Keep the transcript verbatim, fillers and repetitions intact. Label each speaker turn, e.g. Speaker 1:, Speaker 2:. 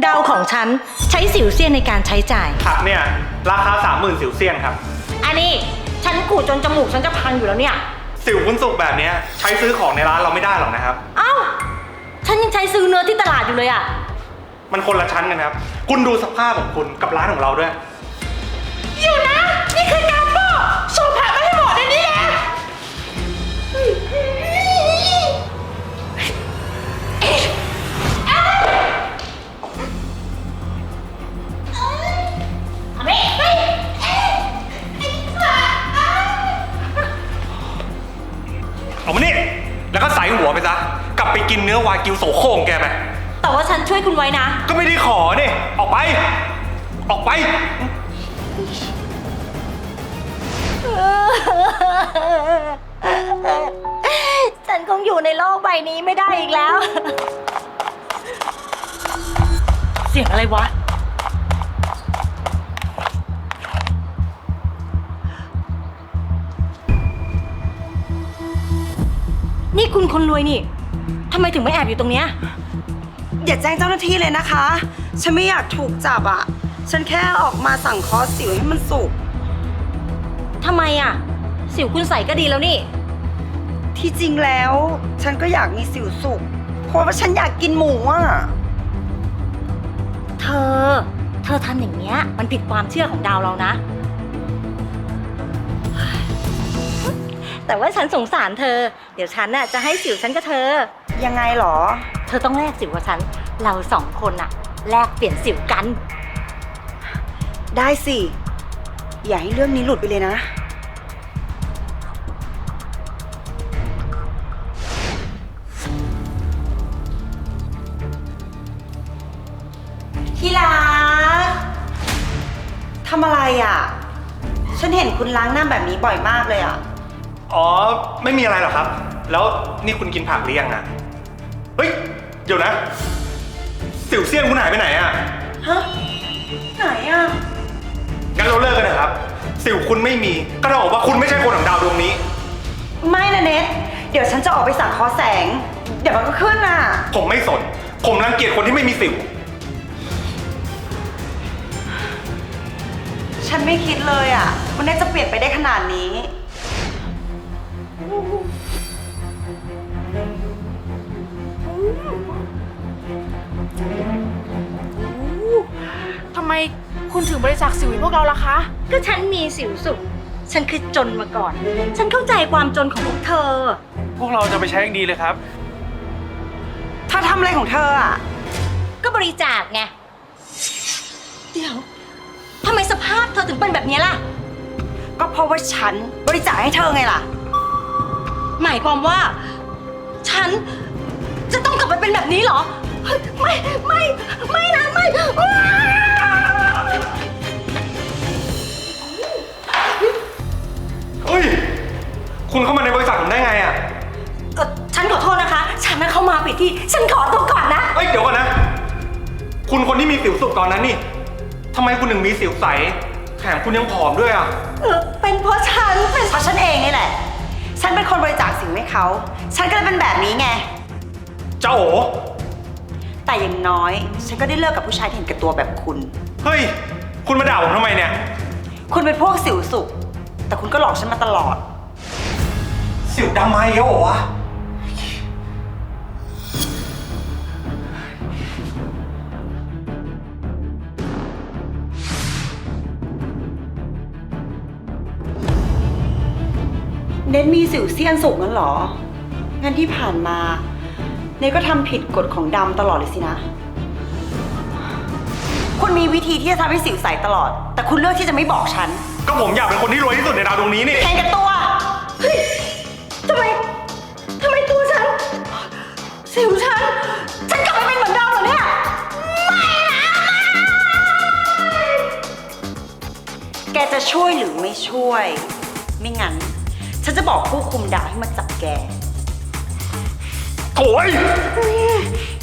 Speaker 1: ดาวของฉันใช้สิวเซียนในการใช้จ่าย
Speaker 2: ผักเนี่ยราคาสามหมื่นสิวเซียนครับ
Speaker 1: อันนี้ฉันกูดจนจมูกฉันจะพังอยู่แล้วเนี่ย
Speaker 2: สิวคุณสุกแบบนี้ใช้ซื้อของในร้านเราไม่ได้หรอกนะครับ
Speaker 1: เอ้าฉันยังใช้ซื้อเนื้อที่ตลาดอยู่เลยอะ
Speaker 2: มันคนละชั้นกันครับคุณดูสภาพของคุณกับร้านของเราด้วย
Speaker 1: อยู่นะนี่คือการบ้าโชว์ผักไม่ให้หมดในนี้แหละ
Speaker 2: เอามานี่แล้วก็ใส่หัวไปซะกลับไปกินเนื้อวากิวโสโครงแกไป
Speaker 1: แต่ว่าฉันช่วยคุณไว้นะ
Speaker 2: ก็ไม่ได้ขอนี่ออกไปออกไป
Speaker 1: ฉันคงอยู่ในโลกใบนี้ไม่ได้อีกแล้วเสียงอะไรวะนี่คุณคนรวยนี่ทำไมถึงไม่แอบอยู่ตรงเนี้ย
Speaker 3: อย่าแจ้งเจ้าหน้าที่เลยนะคะฉันไม่อยากถูกจับอ่ะฉันแค่ออกมาสั่งคอร์สสิวให้มันสุก
Speaker 1: ทำไมอ่ะสิวคุณใส่ก็ดีแล้วนี่
Speaker 3: ที่จริงแล้วฉันก็อยากมีสิวสุกเพราะว่าฉันอยากกินหมูอ่ะ
Speaker 1: เธอเธอทำอย่างเนี้ยมันผิดความเชื่อของดาวเรานะแต่ว่าฉันสงสารเธอเดี๋ยวฉันน่ะจะให้สิวฉันกับเธอ
Speaker 3: ยังไงหรอ
Speaker 1: เธอต้องแลกสิวกับฉันเราสองคนน่ะแลกเปลี่ยนสิวกัน
Speaker 3: ได้สิอย่าให้เรื่องนี้หลุดไปเลยนะที่รักทำอะไรอ่ะฉันเห็นคุณล้างหน้าแบบนี้บ่อยมากเลยอ่ะ
Speaker 2: อ๋อไม่มีอะไรหรอกครับแล้วนี่คุณกินผักหรือยังอ่ะเฮ้ยเดี๋ยวนะสิวเซียนคุณหายไปไหนอ่ะ
Speaker 3: ฮะไหนอ่ะ
Speaker 2: งั้นเราเลิกกันนะครับสิวคุณไม่มีก็ต้องบอกว่าคุณไม่ใช่คนของดาวดวงนี้
Speaker 3: ไม่นะเนทเดี๋ยวฉันจะออกไปสั่งคอแสงเดี๋ยวมันก็ขึ้นอ่ะ
Speaker 2: ผมไม่สนผมรังเกียจคนที่ไม่มีสิว
Speaker 3: ฉันไม่คิดเลยอ่ะมันน่าจะเปลี่ยนไปได้ขนาดนี้
Speaker 4: ทำไมคุณถึงบริจาคสิวให้พวกเราล่ะคะ
Speaker 1: ก็ฉันมีสิวสุกฉันคือจนมาก่อนฉันเข้าใจความจนของพวกเธอ
Speaker 2: พวกเราจะไปใช้อย่างดีเลยครับ
Speaker 3: เธอทำอะไรของเธออ่ะ
Speaker 1: ก็บริจาคไงเดี๋ยวทำไมสภาพเธอถึงเป็นแบบนี้ล่ะ
Speaker 3: ก็เพราะว่าฉันบริจาคให้เธอไงล่ะ
Speaker 1: หมายความว่าฉันจะต้องกลับไปเป็นแบบนี้เหรอไม่ไม่ไม่นะไม่
Speaker 2: เฮ้ยคุณเข้ามาในบริษัทผมได้ไงอ่ะ
Speaker 1: เออฉันขอโทษนะคะฉันน่ะเข้ามาผิดที่ฉันขอตัวก่อนนะ
Speaker 2: เฮ้ยเดี๋ยวก่อนนะคุณคนที่มีสิวสุกตอนนั้นนี่ทำไมคุณถึงมีสิวใสแถมคุณยังผอมด้วยอ่ะ
Speaker 1: เออเป็นเพราะฉัน
Speaker 3: เป็นเพราะฉันเองนี่แหละฉันเป็นคนบริจาคสิวให้เขาฉันก็เลยเป็นแบบนี้ไง
Speaker 2: เจ้าโอ
Speaker 3: แต่อย่างน้อยฉันก็ได้เลิกกับผู้ชายที่เห็นแก่ตัวแบบคุณ
Speaker 2: เฮ้ยคุณมาด่าผมทำไมเนี่ย
Speaker 3: คุณเป็นพวกสิวสุกแต่คุณก็หลอกฉันมาตลอด
Speaker 2: สิวดำมาอีกแล้วเหรอวะ
Speaker 3: เนทมีสิวเซียนสุกงั้นเหรองั้นที่ผ่านมาเนทก็ทำผิดกฎของดำตลอดเลยสินะคุณมีวิธีที่จะทำให้สิวใสตลอดแต่คุณเลือกที่จะไม่บอกฉัน
Speaker 2: ก็ผมอยากเป็นคนที่รวยที่สุดในดาวดวงนี้นี่
Speaker 3: เห็นกับตัว
Speaker 1: เฮ้ยทำไมทำไมตัวฉันสิวฉันฉันกลับไปเป็นเหมือนเดิมเหรอเนี่ยไม่นะ
Speaker 3: แกจะช่วยหรือไม่ช่วยไม่งั้นฉันจะบอกผู้คุมดาวให้มาจับแก
Speaker 2: โถ่